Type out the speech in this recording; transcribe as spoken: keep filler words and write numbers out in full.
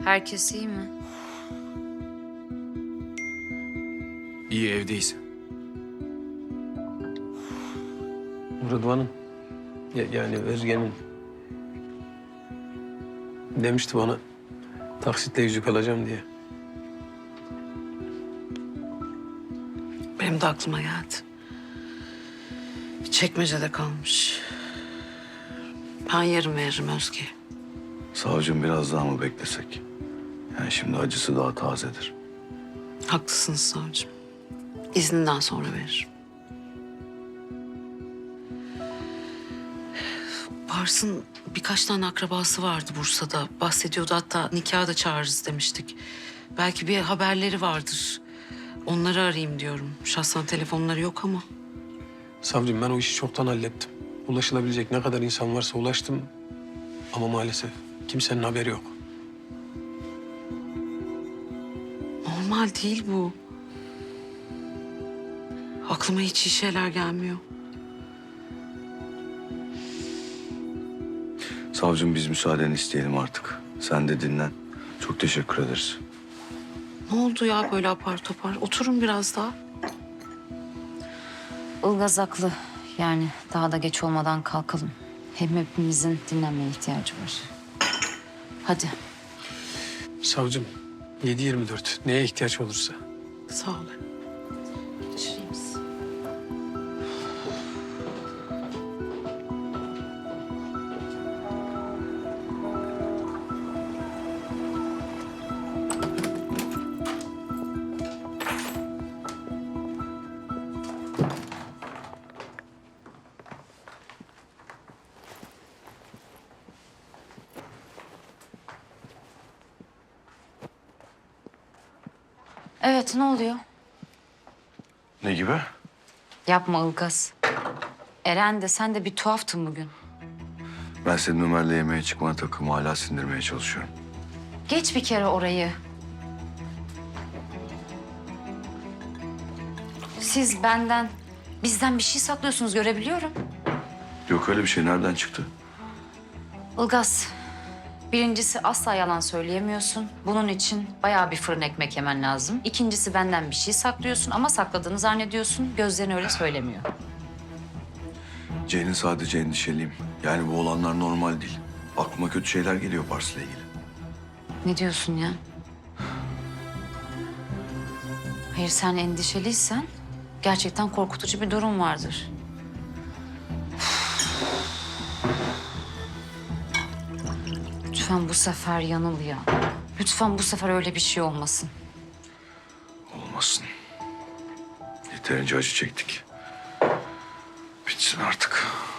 Herkes iyi mi? İyi, evdeyiz. Rıdvan'ın, ya- yani Özge'nin demişti bana taksitle yüzük alacağım diye. Benim de aklıma geldi. Bir çekmecede kalmış. Ben yarın veririm Özge'ye. Savcım biraz daha mı beklesek? Yani şimdi acısı daha tazedir. Haklısınız savcım. İzninden sonra veririm. Pars'ın birkaç tane akrabası vardı Bursa'da. Bahsediyordu, hatta nikaha da çağırırız demiştik. Belki bir haberleri vardır. Onları arayayım diyorum. Şahsen telefonları yok ama. Savcım ben o işi çoktan hallettim. Ulaşılabilecek ne kadar insan varsa ulaştım. Ama maalesef kimsenin haberi yok. Normal değil bu. Aklıma hiç iyi şeyler gelmiyor. Savcım biz müsaadeni isteyelim artık. Sen de dinlen. Çok teşekkür ederiz. Ne oldu ya böyle apar topar? Oturun biraz daha. Ilgaz haklı. Yani daha da geç olmadan kalkalım. Hem hepimizin dinlenmeye ihtiyacı var. Hadi. Savcım yedi yirmi dört neye ihtiyaç olursa. Sağ olun. Geçireyim sizi. Evet, ne oluyor? Ne gibi? Yapma Ilgaz. Eren de sen de bir tuhaftın bugün. Ben senin Ömer'le yemeğe çıkmana takımı hala sindirmeye çalışıyorum. Geç bir kere orayı. Siz benden, bizden bir şey saklıyorsunuz, görebiliyorum. Yok öyle bir şey, nereden çıktı? Ilgaz, birincisi asla yalan söyleyemiyorsun. Bunun için bayağı bir fırın ekmek yemen lazım. İkincisi benden bir şey saklıyorsun ama sakladığını zannediyorsun. Gözlerin öyle söylemiyor. Ceylin sadece endişeliyim. Yani bu olanlar normal değil. Aklıma kötü şeyler geliyor Pars'la ilgili. Ne diyorsun ya? Hayır, sen endişeliysen gerçekten korkutucu bir durum vardır. Lütfen bu sefer yanıl ya. Lütfen bu sefer öyle bir şey olmasın. Olmasın. Yeterince acı çektik. Bitsin artık.